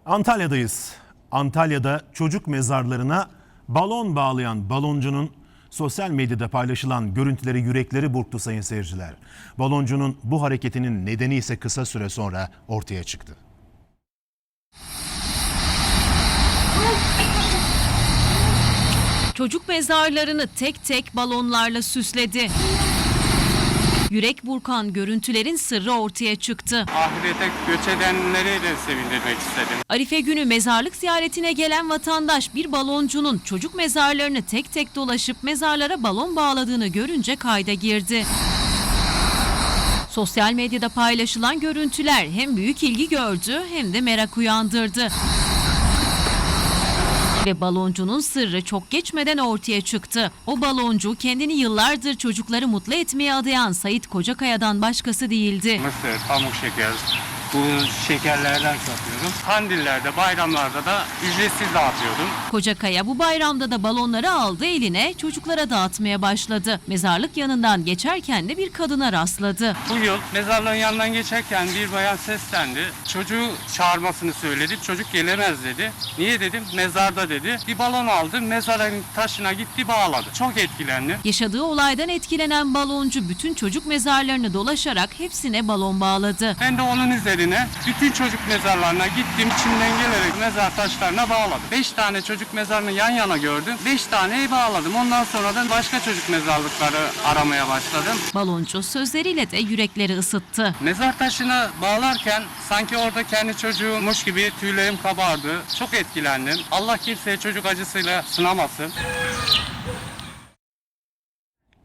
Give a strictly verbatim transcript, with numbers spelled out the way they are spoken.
Antalya'dayız. Antalya'da çocuk mezarlarına balon bağlayan baloncunun sosyal medyada paylaşılan görüntüleri yürekleri burktu sayın seyirciler. Baloncunun bu hareketinin nedeni ise kısa süre sonra ortaya çıktı. Çocuk mezarlarını tek tek balonlarla süsledi. Yürek burkan görüntülerin sırrı ortaya çıktı. Ahirete göç edenleri de sevindirmek istedim. Arife günü mezarlık ziyaretine gelen vatandaş bir baloncunun çocuk mezarlarını tek tek dolaşıp mezarlara balon bağladığını görünce kayda girdi. Sosyal medyada paylaşılan görüntüler hem büyük ilgi gördü hem de merak uyandırdı. Ve baloncunun sırrı çok geçmeden ortaya çıktı. O baloncu kendini yıllardır çocukları mutlu etmeye adayan Sait Kocakaya'dan başkası değildi. Mısır, pamuk şeker, bu şekerlerden satıyorum. Kandillerde, bayramlarda da ücretsiz dağıtıyordum. Kocakaya bu bayramda da balonları aldı eline, çocuklara dağıtmaya başladı. Mezarlık yanından geçerken de bir kadına rastladı. Bu yıl mezarlığın yanından geçerken bir bayan seslendi. Çocuğu çağırmasını söyledi. Çocuk gelemez dedi. Niye dedim? Mezarda dedi. Bir balon aldı, mezarın taşına gitti bağladı. Çok etkilendim. Yaşadığı olaydan etkilenen baloncu bütün çocuk mezarlarını dolaşarak hepsine balon bağladı. Ben de onun üzerine bütün çocuk mezarlarına gittim. Çimden gelerek mezar taşlarına bağladım. Beş tane çocuk mezarını yan yana gördüm. Beş taneyi bağladım. Ondan sonra da başka çocuk mezarlıkları aramaya başladım. Baloncu sözleriyle de yürekleri ısıttı. Mezar taşına bağlarken sanki orada kendi çocuğummuş gibi tüylerim kabardı. Çok etkilendim. Allah kimseye çocuk acısıyla sınamasın.